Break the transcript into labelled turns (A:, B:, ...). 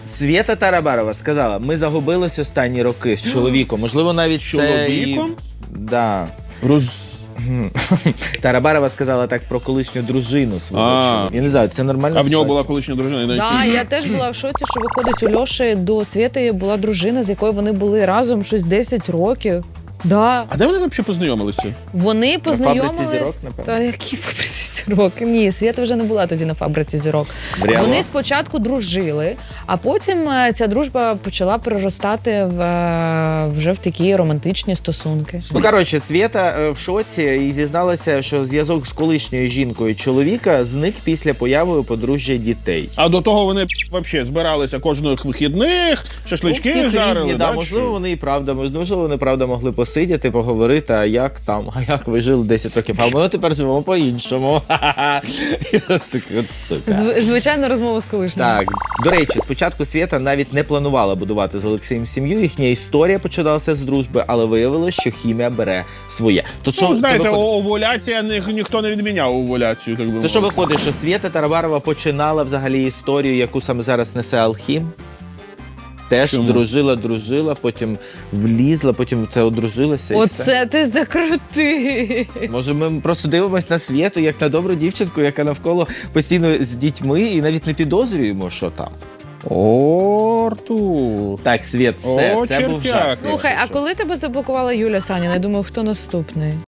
A: Свєта Тарабарова сказала, ми загубились останні роки з чоловіком. Можливо, навіть
B: Чоловіком?
A: це... Да. Тарабарова сказала так про колишню дружину свого чоловіка. Я не знаю, це нормально.
B: А в нього була колишня дружина?
C: Так, я теж була в шоці, що виходить, у Льоші до Свєти була дружина, з якою вони були разом щось 10 років. Да.
B: А де вони взагалі познайомилися?
C: Вони познайомились...
A: фабриці зірок, напевно?
C: Та які фабриці зірок? Ні, Свєта вже не була тоді на фабриці зірок.
A: Прямо?
C: Вони спочатку дружили, а потім ця дружба почала переростати вже в такі романтичні стосунки.
A: Ну, коротше, Свєта в шоці і зізналася, що зв'язок з колишньою жінкою чоловіка зник після появи у подружжя дітей.
B: А до того вони взагалі збиралися кожних вихідних, шашлички
A: всіх
B: жарили,
A: різні,
B: да?
A: можливо, вони і правда, можливо, вони правда могли посидіти, поговорити, а як там, а як ви жили 10 років, а ми тепер живемо по-іншому. Так от сука.
C: Звичайно, розмова з колишнім.
A: Так, до речі, спочатку Свєта навіть не планувала будувати з Олексієм сім'ю, їхня історія починалася з дружби, але виявилося, що хімія бере своє. То що,
B: Ну, знаєте,
A: це виходить?
B: овуляція, ніхто не відміняв овуляцію, так би
A: Це що
B: мовити.
A: виходить, що Свєта Тарабарова починала взагалі історію, яку саме зараз несе Алхім? Теж
B: Чому?
A: дружила, потім влізла, потім це одружилася і все.
C: Оце ти закрути.
A: Може, ми просто дивимось на Свєту, як на добру дівчинку, яка навколо постійно з дітьми, і навіть не підозрюємо, що там.
B: О, Артур.
A: Так, Свєт, все,
B: О,
A: це був
B: чертяк.
A: жарт.
C: Слухай, а
A: якщо що.
C: коли тебе заблокувала Юля Саніна? Я думаю, хто наступний?